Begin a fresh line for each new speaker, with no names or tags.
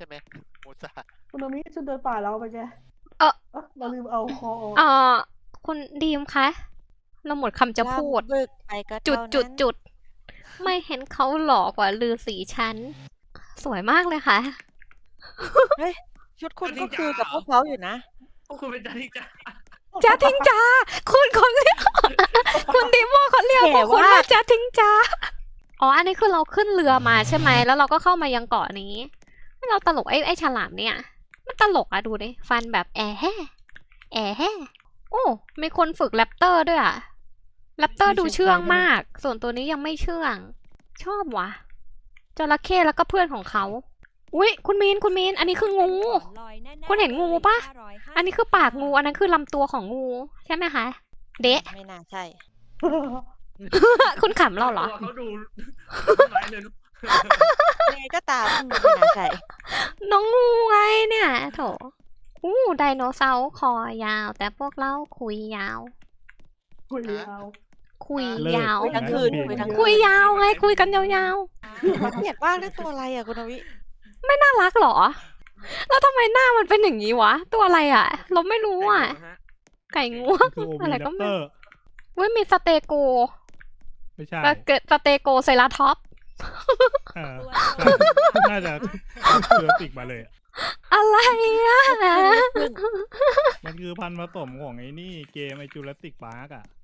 ช่ไหมมูซา
คุณโนมิจะเดินป่าแล้วไปแกเราลืมเอาคอออก
คุณดีมคะ เราหมดคำจะพูด
ล่ำบึกไปก็
จุด
เท่านั้น
ไม่เห็นเขาหล่อกว่าลือสีชั้น สวยมากเลยค่ะ
เฮ้ยชุดคุณก็คือกับพวกเขาอยู่นะ
พวกคุณเป็นจาริกา
จ้าทิงจ้าคุณเขาเรียก คุณดิโมเขาเรียกพวกคุณว่าจ้าทิงจ้าอ๋อ อันนี้คือเราขึ้นเรือมาใช่ไหม แล้วเราก็เข้ามายังเกาะนี้ เราตลกไอ้ฉลามเนี่ย มันตลกอะดูดิ ฟันแบบแอะแห่โอ้ มีคนฝึกแรปเตอร์ด้วยอะแรปเตอร์ดูเชื่องมาก ส่วนตัวนี้ยังไม่เชื่อง ชอบว่ะจระเข้แล้วก็เพื่อนของเขา อุ๊ย คุณมีน อันนี้คืองู คุณเห็นงูปะ อันนี้คือปากงู อันนั้นคือลำตัวของงู ใช่ไหมคะ เดะ
ไม่น่าใช่
คุณขำเราเหรอ
ตัวเขาดูร้ายเลยลูก
ยังไงก็ตามไม่น่าใช่
น้องงูไงเนี่ยโถไดโนเสาร์คอยาว แต่พวกเราคุยยาว
คุยยาว
คุยยาว
คุยทั้งคืนคุยทั้งคืน
คุยยาวไง คุยกันยาว
เกลียดมากนะตัวอะไรอ่ะคุณนวิ
ๆ น่ารักเหรอ แล้วทำไมหน้ามันเป็นอย่างนี้วะ ตัวอะไรอ่ะ เราไม่รู้อ่ะ ไก่งวง
คือโอ
อะไร
วี
ก็
แรป
ไม่
เตอร์
เว้ยมีสเตโก
ไม่ใช่
แล้วเกิดสเตโกไซราท็อปส์
เออน่าจะเสือติกมาเลยอะ
อะไรอ่ะ
มันคือพันธุ์ผสมของไอ้นี่เกมไอจูราสสิกพาร์กอ่ะ